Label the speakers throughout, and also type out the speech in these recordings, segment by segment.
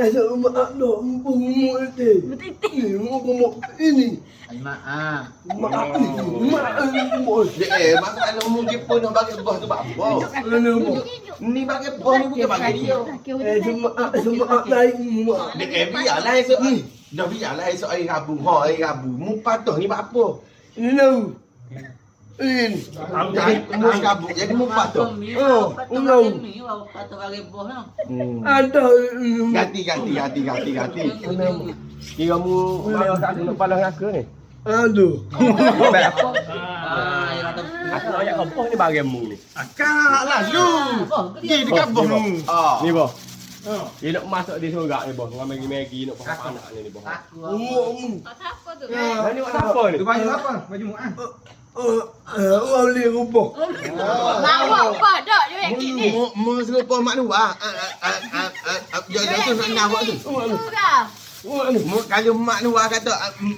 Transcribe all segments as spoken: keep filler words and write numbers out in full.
Speaker 1: Asa mak dok mumpung itu. Ini mumpung ini.
Speaker 2: Mak ah.
Speaker 1: Mak mak mumpung.
Speaker 3: Eh, mak kalau mungkin pun nak bagi bos tu apa? Ni bagi bos ni bukan bagi dia.
Speaker 1: Eh semua semua lain mak.
Speaker 3: Dek eh biarlah esok ni. Dah biarlah esok hari Rabu. Ha hari Rabu. Mu patuh ni buat apa?
Speaker 1: Ini tahu. Ini.
Speaker 3: Jadi mu kabut jadi mu patuh.
Speaker 1: Oh, ulang.
Speaker 2: Patut bagi bos lah.
Speaker 1: Ada.
Speaker 3: Ganti ganti ganti ganti ganti.
Speaker 4: Kira mu mau kat aku kepala dengan aku ni.
Speaker 1: Aduh.
Speaker 4: Baik apa?
Speaker 2: Ah, ya kata.
Speaker 4: Aku nak ayat apa ni bagi mu ni.
Speaker 3: Akak lah lu. Pergi dekat bos lu. Ah.
Speaker 4: Ni boh. Dia nak masuk di surga ni boh. Dengan Maggi-Maggi nak pakai anak ni ni boh.
Speaker 2: Aku.
Speaker 1: Oh.
Speaker 5: Apa tu?
Speaker 4: Mana ni buat apa ni?
Speaker 6: Tu baju apa? Baju mu'ah.
Speaker 1: Oh, orang boleh rumpah.
Speaker 5: Lawak apa dak je kit ni.
Speaker 3: Mu mu serupa mak lu ah. Dia dia tu nak nak buat tu.
Speaker 5: Sudah.
Speaker 3: Mu kalau mak lu kata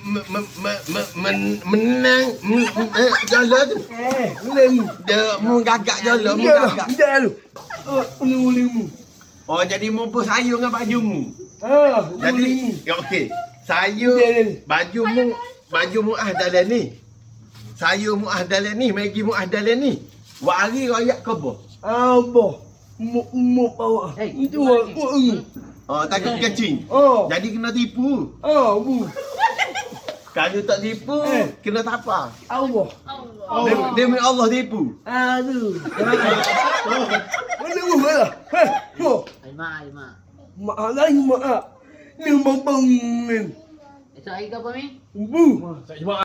Speaker 3: menang jalan tu.
Speaker 1: Eh, boleh.
Speaker 3: Dia mu gagak jalan mu
Speaker 1: Dah,
Speaker 3: gagak.
Speaker 1: dah lu. Oh, boleh boleh mu.
Speaker 3: Oh jadi mu pun sayur dengan baju mu.
Speaker 1: Ah,
Speaker 3: Jadi
Speaker 1: boleh.
Speaker 3: ya okey. Sayur baju mu baju mu ah dalam ni. Sayur mu ah dalam ni, Maggi mu ah dalam ni. Wak hari royak ke apa?
Speaker 1: Apa? Mu mu bawa. Itu aku.
Speaker 3: Oh takut kecing.
Speaker 1: Oh.
Speaker 3: Jadi kena tipu.
Speaker 1: Oh, bu.
Speaker 3: Kalau tak tipu
Speaker 1: Eh.
Speaker 3: kena tapa.
Speaker 1: Allah.
Speaker 3: Dia dia minta Allah tipu.
Speaker 1: Aduh. Mana mu lah? Heh, mo.
Speaker 2: Ai mak, ai mak.
Speaker 1: Mak lain mak. Ni bang bang.
Speaker 2: Esok hari ke apa ni?
Speaker 1: Bu.
Speaker 4: Saya